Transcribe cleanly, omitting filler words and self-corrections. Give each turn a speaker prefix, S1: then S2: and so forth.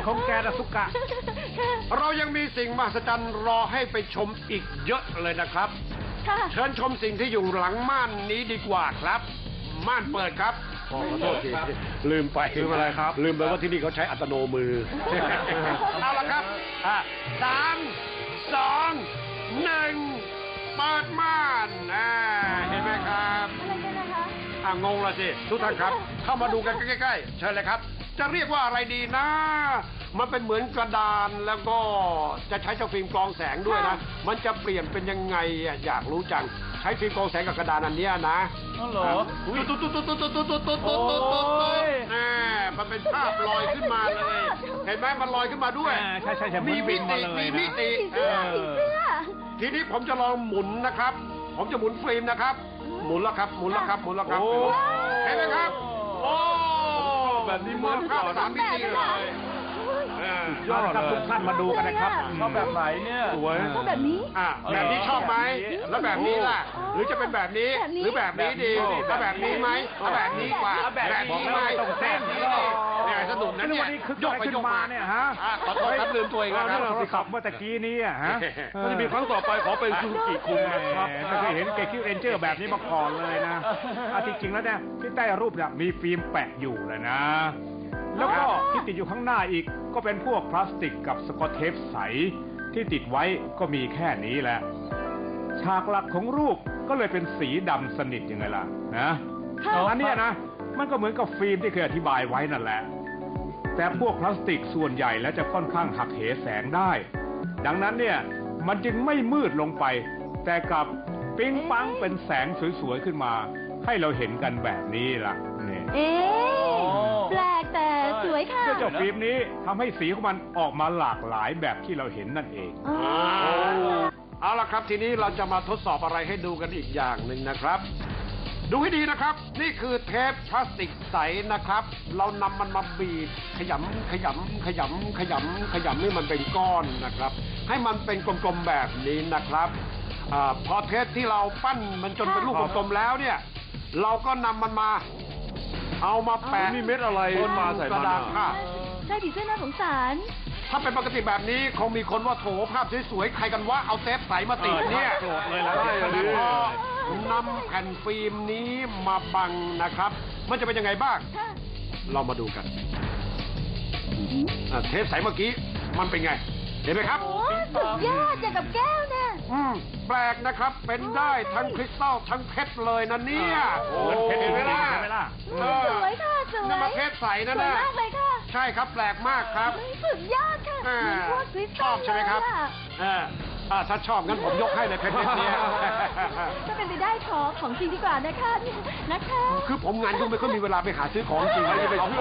S1: ของแกนะสุกะ
S2: เรายังมีสิ่งมหัศจรรย์รอให้ไปชมอีกเยอะเลยนะครับเชิญชมสิ่งที่อยู่หลังม่านนี้ดีกว่าครับม่านเปิดครับขอโทษทีลืมไปลืมอะไรครับลืมไปว่าที่นี่เขาใช้อัตโนมือเอาละครับ3 2 1เปิดม่านเห็นไหมครับงงละสิทุกท่านครับเข้ามาดูกันใกล้ๆเชิญเลยครับจะเรียกว่าอะไรดีนะมันเป็นเหมือนกระดานแล้วก็จะใช้เจ้าฟิล์มกรองแสงด้วยนะมันจะเปลี่ยนเป็นยังไงอยากรู้จังใช้ฟิล์มกรองแสงกับกระดานอันนี้นะ
S1: อ๋อเหรอ
S2: มันเป็นภาพลอยขึ้นมาเลยเห็นไหมมันลอยขึ้นมาด้วย
S1: ใช่
S2: มีมิติทีนี้ผมจะลองหมุนนะครับผมจะหมุนฟิล์มนะครับหมุนแล้วครับเห็นไหมครับโอ้แบบนี้มันภาพ3 มิติเลย
S1: ยอดครับทุกท่านมาดูกันนะครับชอบแบบไหนเนี่ย
S3: สวย
S4: ชอบแบบนี้
S2: แบบนี้ชอบไหมแล้วแบบนี้ล่ะหรือจะเป็นแบบนี้หรือแบบนี้ดีเอาแบบนี้ไหมเอาแบบนี้กว่าแบบนี้ไหม
S1: ต้องเต้น
S2: เนี่ยสนุกนะเนี่ย
S1: ยกไปยกมาเนี่ยฮะ
S2: ขอโทษครับลืมตัวเองนะครับ
S1: เราขับเมื่อตะกี้นี้ฮะ
S3: ถ้าจะมีครั้งต่อไปขอเป็นซูซูกิคุงนะครับ
S1: ไม่เคยเห็นเกคิวเรนเจอร์แบบนี้มาก่อนเลยนะจริงๆแล้วเนี่ยที่ใต้รูปเนี่ยมีฟิล์มแปะอยู่เลยนะแล้วก็ที่ติดอยู่ข้างหน้าอีกก็เป็นพวกพลาสติกกับสกอตเทปใสที่ติดไว้ก็มีแค่นี้แหละฉากหลักของรูปก็เลยเป็นสีดำสนิทยังไงล่ะนะอันนี้นะมันก็เหมือนกับฟิล์มที่เคยอธิบายไว้นั่นแหละแต่พวกพลาสติกส่วนใหญ่แล้วจะค่อนข้างหักเหแสงได้ดังนั้นเนี่ยมันจึงไม่มืดลงไปแต่กับปิ๊งปังเป็นแสงสวยๆขึ้นมาให้เราเห็นกันแบบนี้ล่ะเนี่ย
S4: แปลกแต่สวยค่ะ
S1: เจ้าฟิล์มนี้ทำให้สีของมันออกมาหลากหลายแบบที่เราเห็นนั่นเอง
S2: เอาล่ะครับทีนี้เราจะมาทดสอบอะไรให้ดูกันอีกอย่างหนึ่งนะครับดูให้ดีนะครับนี่คือเทปพลาสติกใสนะครับเรานำมันมาบีบขยำให้มันเป็นก้อนนะครับให้มันเป็นกลมๆแบบนี้นะครับพอเทปที่เราปั้นมันจนเป็นลูกกลมๆแล้วเนี่ยเราก็นำมันมาเอามาแปะ
S3: นี่เม็ดอะไรมาใส่
S2: กระดาษผ้า
S4: ใช่ดิเสื้อน่าสงสาร
S2: ถ้าเป็นปกติแบบนี้คงมีคนว่าโถภาพสวยๆใครกันว่าเอาเทปใสมาติดเนี่ย
S1: เลยแล้ว
S2: แต่พอนำแผ่นฟิล์มนี้มาบังนะครับมันจะเป็นยังไงบ้างเรามาดูกันเทปใสเมื่อกี้มันเป็นไงเห็นไหมครับ
S4: สุดยอดอย่างกับแก้วเนี่ย
S2: แปลกนะครับเป็นได้ทั้งคริสตัลทั้งเพชรเลยนะเนี่ย
S1: เห็นไหมล่ะ
S4: สวยค่ะสวย
S2: นี่มาเพชรใสนะเนี่ย
S4: มากเลยค่ะ
S2: ใช่ครับแปลกมากครับ
S4: สุดยอดค่ะพวกคริสตัล
S2: ชอบใช่ไหมครับถ้าชอบงั้นผมยกให้เลยเพชรเนี่ย
S4: ถ้าเป็นไปได้ของจริงดีกว่านะคะ
S2: คือผมงานยุ่งไม่ค่อยมีเวลาไปหาซื้อของจริง